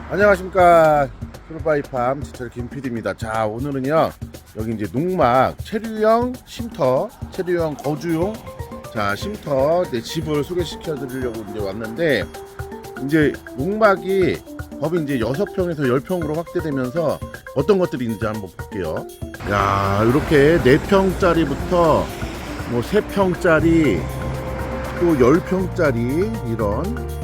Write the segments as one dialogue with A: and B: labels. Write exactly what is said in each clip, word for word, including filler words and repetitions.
A: 안녕하십니까. 프로바이팜 지철 김피디입니다. 자, 오늘은요 여기 이제 농막 체류형 쉼터, 체류형 거주용 자 쉼터 내 집을 소개시켜 드리려고 이제 왔는데, 이제 농막이 법이 이제 여섯 평에서 열 평으로 확대되면서 어떤 것들이 있는지 한번 볼게요. 야, 이렇게 네 평짜리부터 뭐 세 평짜리 또 열 평짜리 이런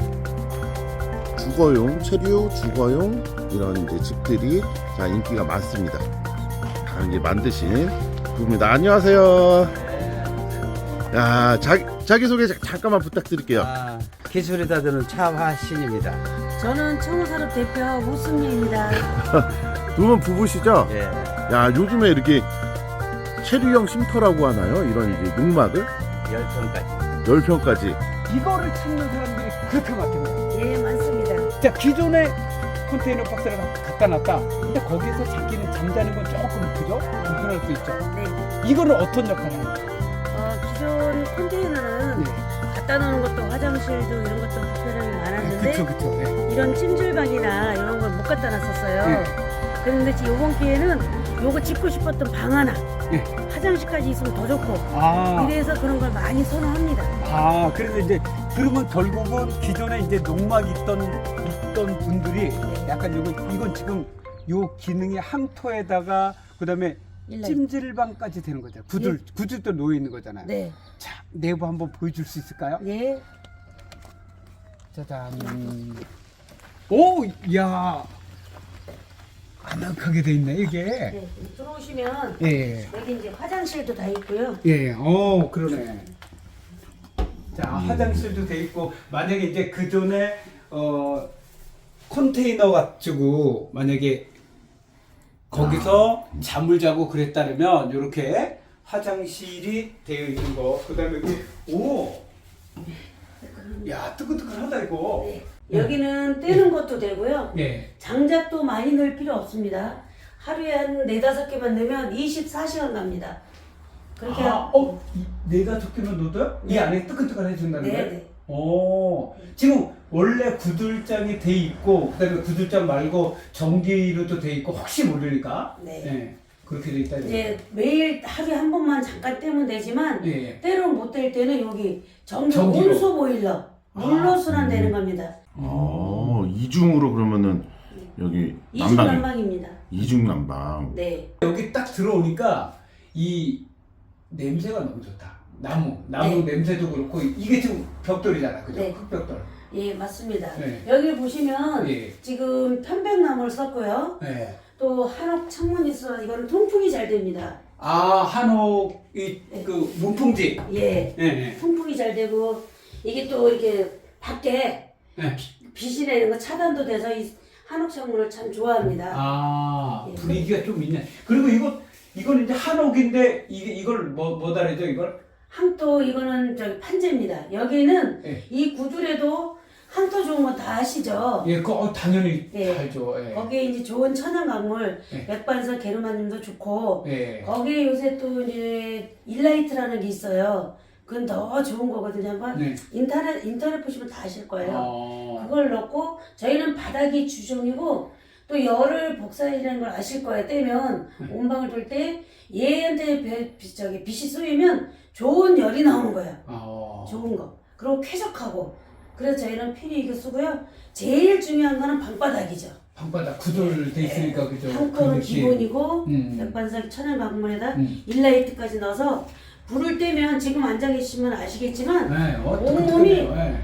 A: 주거용, 체류, 주거용 이런 이제 집들이 자 인기가 많습니다. 다 이제 만드신 부부입니다. 안녕하세요. 야, 자기 자기 소개 잠깐만 부탁드릴게요.
B: 아, 기술이 다드는 차화신입니다.
C: 저는 청호산업 대표 우승미입니다.
A: 두 분 부부시죠?
B: 예.
A: 야, 요즘에 이렇게 체류형 쉼터라고 하나요? 이런 이제 농막을
B: 열 평까지.
A: 열 평까지.
D: 이거를 찾는 사람들이 그렇게 많겠네요.
C: 예, 맞습니다.
D: 자, 기존에 컨테이너 박스를 갖다 놨다. 근데 거기서 자기는 잠자는 건 조금 그죠? 불편할 수 있죠.
C: 네.
D: 이거는 어떤 역할을 하나요?
C: 어, 기존 컨테이너는
D: 네.
C: 갖다 놓는 것도 화장실도 이런 것도 불편함이 많았는데
D: 그쵸, 그쵸. 네.
C: 이런 찜질방이나 이런 걸 못 갖다 놨었어요.
D: 네.
C: 그런데 지금 이번 기회는 요거 짓고 싶었던 방 하나,
D: 네.
C: 화장실까지 있으면 더 좋고
D: 아,
C: 이래서 그런 걸 많이 선호합니다.
D: 아, 그래서 이제 그러면 결국은 기존에 이제 농막 있던 있던 분들이 약간 이건 이건 지금 요 기능이 항토에다가 그다음에
C: 일라이트.
D: 찜질방까지 되는 거잖아요. 구들 구들도 놓여 있는 거잖아요.
C: 네.
D: 자, 내부 한번 보여줄 수 있을까요?
C: 예.
D: 짜잔. 오, 야, 아늑하게 돼 있네 이게.
C: 네. 들어오시면
D: 예,
C: 여기 이제 화장실도 다 있고요.
D: 예, 어, 그러네. 자, 화장실도 돼 있고, 만약에 이제 그 전에 어 컨테이너 가지고 만약에 거기서 잠을 자고 그랬다면 이렇게 화장실이 되어 있는 거. 그다음에 그, 오, 야, 뜨끈뜨끈하다 이거.
C: 네. 여기는 떼는 것도 되고요.
D: 예.
C: 장작도 많이 넣을 필요 없습니다. 하루에 한 네다섯 개만 넣으면 이십사 시간 갑니다. 그렇게
D: 아, 어, 이 네다섯 개만 넣어도요? 이
C: 네.
D: 안에 뜨끈뜨끈해진다는
C: 네,
D: 거예요?
C: 네.
D: 오, 지금 원래 구들장이 돼 있고, 그다음에 구들장 말고 전기로도 돼 있고, 혹시 모르니까,
C: 네.
D: 예, 그렇게 돼 있다는 거예요.
C: 이제 매일 하루에 한 번만 잠깐 떼면 되지만
D: 예.
C: 때론 못 뗄 때는 여기 전기
D: 전기로.
C: 온수 보일러 물로
D: 아,
C: 순환되는
A: 음.
C: 겁니다.
A: 어, 이중으로 그러면은 여기
C: 이중
A: 난방이
C: 난방입니다.
A: 이중 난방.
C: 네.
D: 여기 딱 들어오니까 이 냄새가 너무 좋다. 나무, 나무
C: 네.
D: 냄새도 그렇고 이게 지금 벽돌이잖아, 그죠?
C: 네.
D: 흙벽돌.
C: 예, 맞습니다.
D: 네.
C: 여기를 보시면
D: 예.
C: 지금 편백나무를 썼고요.
D: 예.
C: 또 한옥 창문이 있어 이거는 통풍이 잘 됩니다.
D: 아, 한옥
C: 네.
D: 이그 문풍지.
C: 예.
D: 예, 예.
C: 통풍이 잘 되고 이게 또 이렇게 밖에
D: 예.
C: 빛이 내는 거 차단도 돼서 이 한옥 창문을 참 좋아합니다.
D: 아,
C: 예.
D: 분위기가 좀 있네. 그리고 이거 이건 이제 한옥인데 이게 이걸 뭐 뭐다래죠 이걸?
C: 항토 이거는 저기 판재입니다. 여기는
D: 예.
C: 이 구들에도 항토 좋은 거 다 아시죠?
D: 예, 그 어, 당연히
C: 예.
D: 알죠. 예.
C: 거기에 이제 좋은 천연 강물,
D: 예.
C: 맥반석 게르마늄도 좋고
D: 예.
C: 거기에 요새 또 이제 일라이트라는 게 있어요. 그건 더 좋은 거거든요. 한번
D: 네.
C: 인터넷 인터넷 보시면 다 아실 거예요.
D: 어.
C: 그걸 넣고 저희는 바닥이 주종이고 또 열을 복사이라는 걸 아실 거예요. 떼면
D: 네.
C: 온방을 돌 때 얘한테 배- 비- 저기 빛이 쏘이면 좋은 열이 나오는 거예요.
D: 어.
C: 좋은 거. 그리고 쾌적하고. 그래서 저희는 필히 이거 쓰고요. 제일 중요한 거는 방바닥이죠.
D: 방바닥 구돌 돼 있으니까 그죠?
C: 한꺼는
D: 그 느낌.
C: 기본이고
D: 음.
C: 맥반석 천연 강물에다
D: 음.
C: 일라이트까지 넣어서 불을 떼면 지금 앉아 계시면 아시겠지만
D: 네,
C: 온몸이
D: 어떻게 네.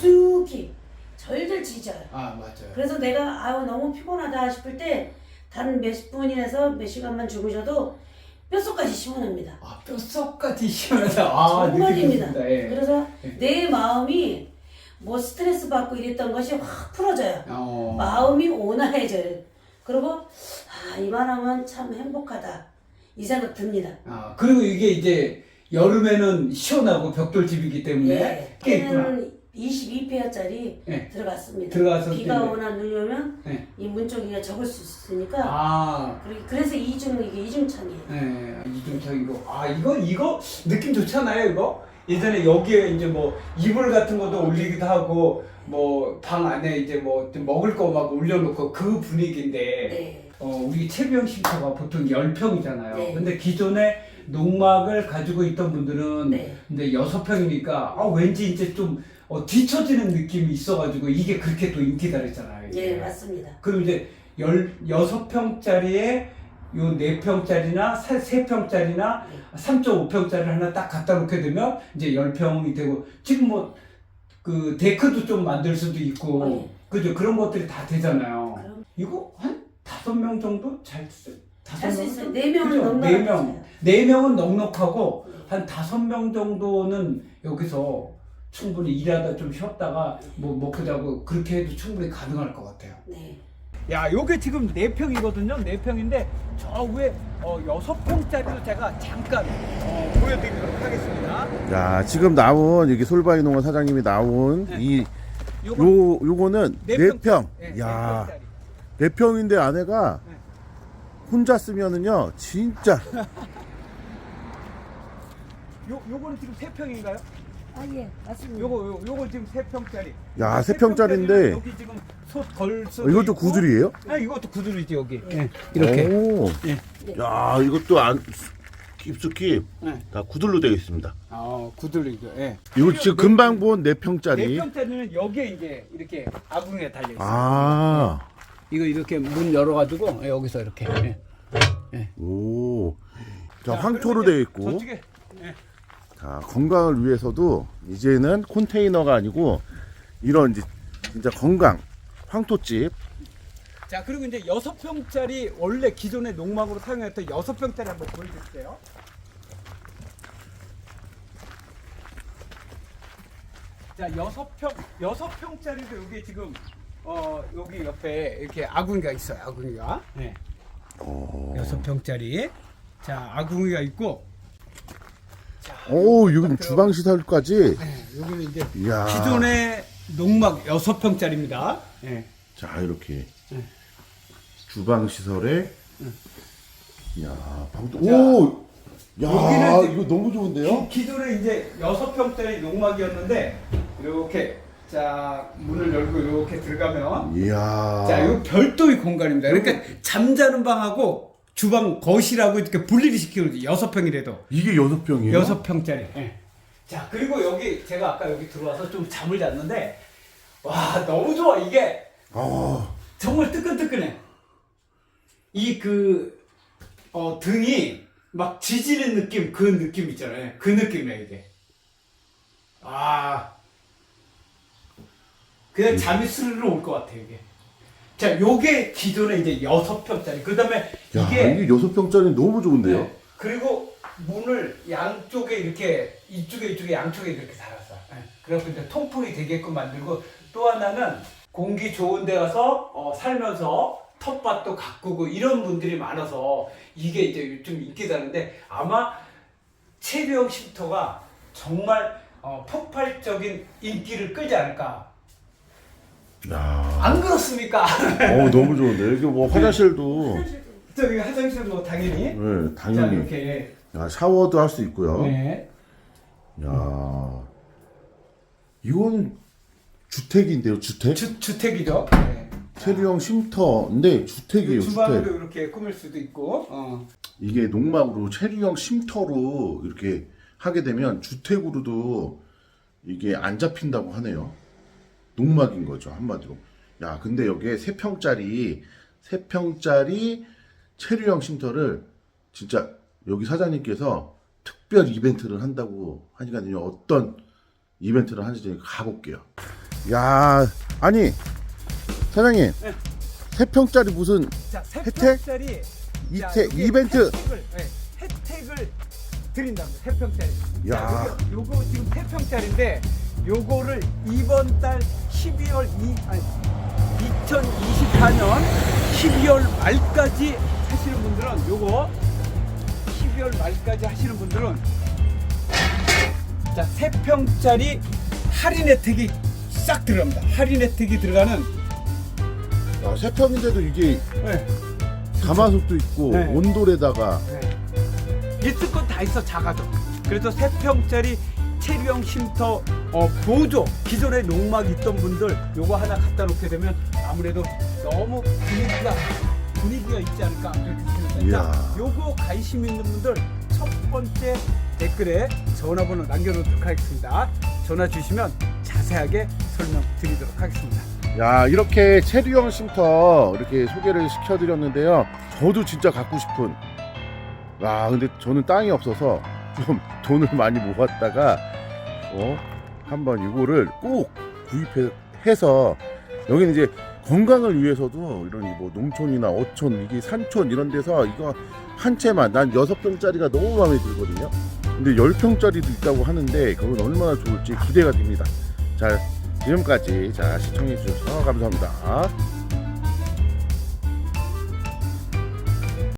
C: 깊숙이 절절 지져요.
D: 아, 맞아요.
C: 그래서 내가 아우 너무 피곤하다 싶을 때 단 몇 분이라서 몇 시간만 주무셔도 뼛속까지 시원합니다.
D: 아, 뼛속까지 시원하다. 아,
C: 정말입니다.
D: 느낌이 듭니다. 예.
C: 그래서
D: 예.
C: 내 마음이 뭐 스트레스 받고 이랬던 것이 확 풀어져요.
D: 어.
C: 마음이 온화해져요. 그리고 아 이만하면 참 행복하다 이 생각 듭니다.
D: 아, 그리고 이게 이제 여름에는 시원하고 벽돌집이기 때문에
C: 예,
D: 꽤 있구나.
C: 걔는 이십이 페어짜리
D: 예.
C: 들어갔습니다.
D: 들어가서
C: 비가
D: 이제-
C: 오나 눈이 오면
D: 예.
C: 이 문 쪽이가 적을 수 있으니까
D: 아,
C: 그리- 그래서 이중 이게 이중창이에요.
D: 예, 이중창이고. 아, 이거 이거 느낌 좋잖아요, 이거. 예전에 여기에 이제 뭐 이불 같은 것도 올리기도 하고 뭐 방 안에 이제 뭐 좀 먹을 거 막 올려놓고 그 분위기인데
C: 네.
D: 어 우리 채비형 쉼터가 보통 열 평이잖아요.
C: 네.
D: 근데 기존에 농막을 가지고 있던 분들은
C: 네.
D: 근데 여섯 평이니까 아 왠지 이제 좀 어, 뒤처지는 느낌이 있어가지고 이게 그렇게 또 인기다 그랬잖아요. 이게.
C: 예, 맞습니다.
D: 그럼 이제 열 여섯 평짜리에 요 네 평짜리나 세 평짜리나 삼 점 오 평짜리를 하나 딱 갖다 놓게 되면 이제 열 평이 되고 지금 뭐 그 데크도 좀 만들 수도 있고
C: 네.
D: 그죠 그런 것들이 다 되잖아요.
C: 그럼
D: 이거 한 다섯 명 정도 잘 쓰.
C: 할 수 있어요. 네 명은
D: 그죠?
C: 넉넉하게
D: 네 명.
C: 있어요.
D: 네 명은 넉넉하고
C: 네.
D: 한 다섯 명 정도는 여기서 충분히 일하다 좀 쉬었다가 뭐 먹고 자고 그렇게 해도 충분히 가능할 것 같아요.
C: 네.
D: 야, 요게 지금 네 평이거든요. 네 평인데 저 위에 어, 여섯 평짜리도 제가 잠깐 어, 보여드리도록 하겠습니다.
A: 야, 지금 나온 여기 솔바이 농원 사장님이 나온
D: 네.
A: 이
D: 요거
A: 요 요거는
D: 네
A: 네
D: 평.
A: 평.
D: 네,
A: 야,
D: 네 평짜리.
A: 네 평인데 아내가
D: 네.
A: 혼자 쓰면은요, 진짜
D: 요 요거는 지금 세 평인가요?
C: 아, 예, 맞습니다.
D: 요거 요, 요거 지금 세 평짜리.
A: 야, 세 평짜리인데
D: 여기 지금 솥걸 수.
A: 어, 이것도 구들이에요?
D: 아, 이것도 구들이지 여기. 네. 이렇게.
A: 오.
D: 예.
A: 야, 이것도 안 깊숙이
D: 네.
A: 다 구들로 되어 있습니다.
D: 아, 구들이죠. 예.
A: 이거 지금 금방 본 네
D: 네
A: 평짜리.
D: 평짜리는 여기에 이제 이렇게 아궁이에 달려 있어요.
A: 아.
D: 이거 이렇게 문 열어가지고 여기서 이렇게. 예.
A: 오. 자,
D: 자,
A: 황토로
D: 그리고
A: 되어
D: 이제
A: 있고.
D: 저쪽에 예.
A: 자, 건강을 위해서도 이제는 컨테이너가 아니고 이런 이제 진짜 건강 황토집.
D: 자, 그리고 이제 여섯 평짜리 원래 기존의 농막으로 사용했던 여섯 평짜리 한번 보여드릴게요. 자, 여섯 평 여섯 평짜리도 여기 지금 어 여기 옆에 이렇게 아궁이가 있어요. 아궁이가. 네.
A: 오.
D: 여섯 평짜리. 자, 아궁이가 있고. 자,
A: 오, 여기 주방 시설까지.
D: 네, 여기는 이제
A: 이야.
D: 기존의 농막 여섯 평짜리입니다. 네.
A: 자, 이렇게
D: 네.
A: 주방 시설에. 야, 방도.
D: 자,
A: 오. 야,
D: 여기는 이제
A: 이거 너무 좋은데요?
D: 기, 기존에 이제 여섯 평짜리 농막이었는데 이렇게 자 문을 열고 이렇게 들어가면
A: 이야.
D: 자 이거 별도의 공간입니다. 그러니까 잠자는 방하고 주방 거실하고 이렇게 분리를 시키거든요. 여섯 평이라도
A: 이게 여섯 평이에요?
D: 여섯 평짜리. 예. 자 그리고 여기 제가 아까 여기 들어와서 좀 잠을 잤는데 와 너무 좋아 이게
A: 아.
D: 정말 뜨끈뜨끈해. 이 그 어, 등이 막 지지는 느낌 그 느낌 있잖아요. 그 느낌이야 이게. 아 그냥 잠이 스르르 올 것 같아 이게. 자 요게 기존에 이제 여섯 평짜리. 그 다음에
A: 야,
D: 이게
A: 이게 여섯 평짜리 너무 좋은데요?
D: 네. 그리고 문을 양쪽에 이렇게 이쪽에 이쪽에 양쪽에 이렇게 달았어. 네. 그래서 이제 통풍이 되게끔 만들고 또 하나는 공기 좋은 데 가서 어, 살면서 텃밭도 가꾸고 이런 분들이 많아서 이게 이제 요즘 인기다는데 아마 체류형 쉼터가 정말 어, 폭발적인 인기를 끌지 않을까.
A: 야.
D: 안 그렇습니까?
A: 어, 너무 좋은데. 여기 뭐 화장실도.
D: 저기 화장실 뭐 당연히.
A: 네,
D: 자
A: 당연히.
D: 이렇게.
A: 야, 샤워도 할 수 있고요.
D: 네.
A: 야. 이건 주택인데요, 주택?
D: 주, 주택이죠. 네.
A: 체류형 쉼터인데 주택이에요,
D: 주방으로
A: 주택.
D: 이렇게 꾸밀 수도 있고. 어.
A: 이게 농막으로 체류형 쉼터로 이렇게 하게 되면 주택으로도 이게 안 잡힌다고 하네요. 농막인 거죠, 한마디로. 야, 근데 여기에 세 평짜리 세 평짜리 체류형 쉼터를 진짜 여기 사장님께서 특별 이벤트를 한다고 하니까요. 어떤 이벤트를 하는지 가볼게요. 야, 아니 사장님,
D: 네.
A: 세 평짜리 무슨
D: 자, 세
A: 혜택?
D: 평짜리
A: 이태-
D: 자, 여기
A: 이벤트.
D: 혜택을, 네, 혜택을 드린답니다. 세 평짜리.
A: 야.
D: 자, 요거, 요거 지금 세 평짜리인데 요거를 이번 달 십이월 이 아니 이천이십사 년 십이월 말까지 하시는 분들은 요거 십이월 말까지 하시는 분들은 자, 세 평짜리 할인 혜택이 싹 들어갑니다. 할인 혜택이 들어가는
A: 야, 세 평인데도 이게
D: 네.
A: 가마솥도 있고
D: 네.
A: 온돌에다가
D: 네. 있을 건 다 있어 작아도. 그래서 세 평짜리 체류형 쉼터 어, 보조 기존에 농막 있던 분들 요거 하나 갖다 놓게 되면 아무래도 너무 분위기가 분위기가 있지 않을까 그렇게 생각합니다.
A: 이야.
D: 요거 관심 있는 분들 첫 번째 댓글에 전화번호 남겨놓도록 하겠습니다. 전화 주시면 자세하게 설명드리도록 하겠습니다.
A: 야, 이렇게 체류형 쉼터 이렇게 소개를 시켜드렸는데요. 저도 진짜 갖고 싶은. 와, 근데 저는 땅이 없어서 좀 돈을 많이 모았다가 어 한번 이거를 꼭 구입해서 여기는 이제 건강을 위해서도 이런 뭐 농촌이나 어촌 이게 산촌 이런 데서 이거 한 채만 난 여섯 평짜리가 너무 마음에 들거든요. 근데 열 평짜리도 있다고 하는데 그건 얼마나 좋을지 기대가 됩니다. 자, 지금까지 자 시청해 주셔서 감사합니다.